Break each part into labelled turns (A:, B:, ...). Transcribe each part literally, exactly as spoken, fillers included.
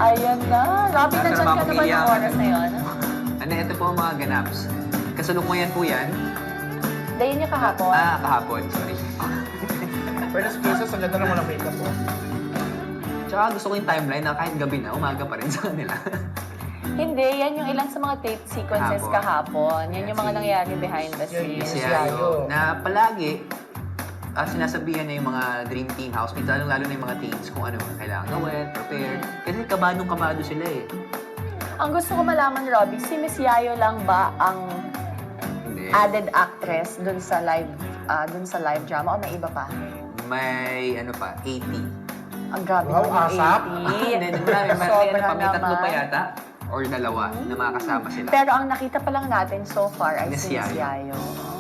A: Ayan na. Robby,
B: Nasa
A: nandyan ka na ba
B: pamilya
A: yung
B: ka
A: oras
B: na.
A: na yun?
B: Ano, ito po ang mga ganaps. Kasalukuyan po yan.
A: Dayin niya kahapon.
B: Ah, kahapon, sorry.
C: Pero sa cases, ang ganda naman ang makeup mo.
B: Tsaka gusto ko yung timeline na kahit gabi na, umaga pa rin sa kanila.
A: Hindi, yan yung ilang sa mga tape sequences
B: Kahapon.
A: kahapon. Yan yung mga
B: Si-
A: nangyari behind the
C: Yan,
A: scenes.
B: Si
C: Si
B: Ayo,
C: Ayo.
B: na palagi, ah, sinasabihan na yung mga dream team housemates, lalo lalo na yung mga teens kung ano kailangan gawin, prepare. Kasi kabadong kabado sila eh.
A: Ang gusto ko malaman, Robby, si Miss Yayo lang ba ang
B: Hindi.
A: added actress dun sa live ah, dun sa live drama o may iba pa?
B: May ano pa, eighty.
A: Ang grabe
C: Wow,
A: naman yung
C: asap.
A: eighty.
B: Hindi, marami, marami.
A: Sobra
B: Ano pa, may tatlo pa
A: naman.
B: yata. Or dalawa na makakasama sila.
A: Pero ang nakita pa lang natin so far ay
B: Miss
A: si Miss
B: Yayo.
A: Yayo.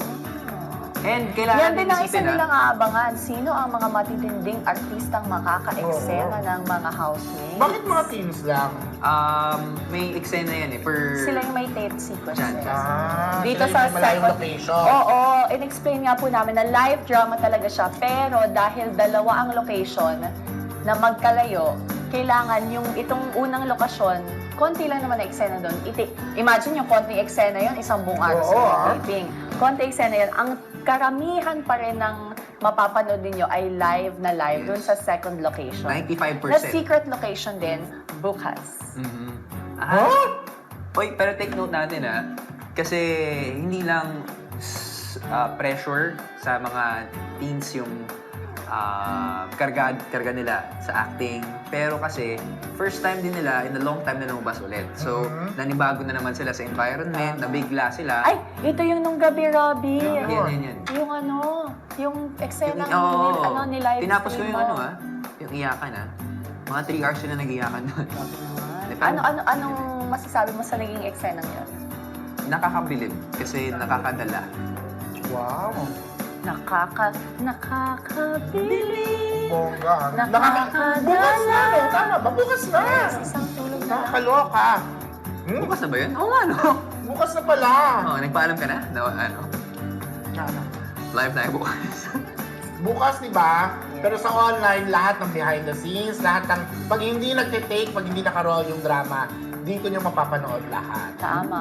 B: And kailangan
A: Yan din ang isa
B: isipin, ah,
A: nilang aabangan. Sino ang mga matitinding artistang makaka-eksena
C: Oo.
A: ng mga housemates?
C: Bakit mga teens lang?
B: um, may eksena yan eh. Per...
A: Sila yung may tape sequences.
B: Diyan.
C: Ah,
A: Dito
C: sila
A: sa
C: yung malayong
A: second-
C: location.
A: Oo, in-explain nga po namin na live drama talaga siya. Pero dahil dalawa ang location na magkalayo, kailangan yung itong unang lokasyon, konti lang naman na eksena doon. Iti- Imagine yung konting eksena yon isang buong araw
C: Oo,
A: sa
C: ah.
A: taping. Konting eksena yun. Ang karamihan pa rin ng mapapanood ninyo ay live na live
B: Yes.
A: doon sa second location.
B: ninety-five
A: Na
B: percent.
A: secret location din, bukas.
B: Mhm.
C: Huh?
B: Ah, Oy, pero take note natin ah. Kasi hindi lang s- ah, pressure sa mga teens yung ah, karga, karga nila sa acting. Pero kasi, first time din nila in a long time na lumabas ulit. So,
C: Mhm.
B: nanibago na naman sila sa environment, nabigla sila.
A: Ay, ito yung nung gabi, Robby.
C: Yan.
B: Yan, yan, yan.
A: Yung ano, yung eksena ng
B: Oo.
A: nil- ano, ni live
B: Tinapos ko
A: stream
B: yung
A: mo.
B: ano ah, yung iyakan ah. Mga three hours sila nag-iyakan doon.
A: Ano, ano, anong masasabi mo sa naging eksena yun?
B: Nakakabilib kasi nakakadala.
C: Wow.
A: Nakaka, nakakabili.
C: Bongga.
A: Nakakadala.
C: Bukas na, no? Tama ba? Bukas na.
A: Isang tulog na lang.
C: Nakakaloka. Hmm?
B: Bukas na ba yun? Oo nga, no?
C: Bukas na pala.
B: Oo, nagpaalam ka na? Na, ano?
C: Tsaka.
B: Live tayo bukas.
C: Bukas, di ba? Pero sa online, lahat ng behind the scenes, lahat ng, pag hindi nagtitake, pag hindi nakaroll yung drama, dito nyo mapapanood lahat.
A: Tama.